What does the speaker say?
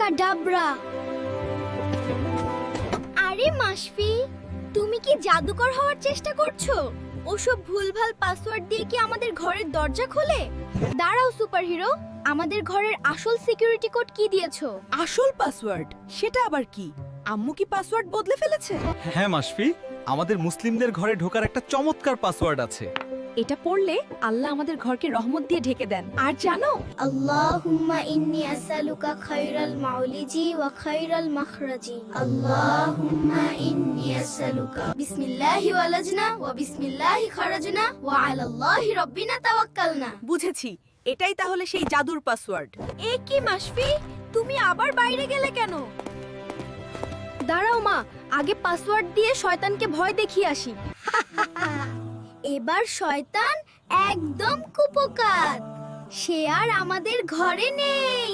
ডাবরা। আরে মাশফি, তুমি কি জাদুকর হওয়ার চেষ্টা করছো? ওসব ভুলভাল পাসওয়ার্ড দিয়ে কি আমাদের ঘরের দরজা খোলে? দাঁড়াও সুপারহিরো, আমাদের ঘরের আসল সিকিউরিটি কোড কি দিয়েছো? আসল পাসওয়ার্ড? সেটা আবার কি? আম্মু কি পাসওয়ার্ড বদলে ফেলেছে? হ্যাঁ মাশফি, আমাদের মুসলিমদের ঘরে ঢোকার একটা চমৎকার পাসওয়ার্ড আছে। এটা পড়লে আল্লাহ আমাদের ঘরকে রহমত দিয়ে ঢেকে দেন। আর জানো, আল্লাহুম্মা ইন্নী আসআলুকা খায়রাল মাউলিজি ওয়া খায়রাল মাখরাজি। আল্লাহুম্মা ইন্নী আসআলুকা বিসমিল্লাহি ওয়ালাজনা ওয়া বিসমিল্লাহি খারাজনা ওয়া আলাল্লাহি রাব্বিনা তাওয়াক্কালনা। বুঝেছি, এটাই তাহলে সেই জাদুর পাসওয়ার্ড। এ কি মাশফি, তুমি আবার বাইরে গেলে কেন? দাঁড়াও মা, আগে পাসওয়ার্ড দিয়ে শয়তানকে ভয় দেখিয়ে আসি। এবার শয়তান একদম কুপোকাত, সে আর আমাদের ঘরে নেই।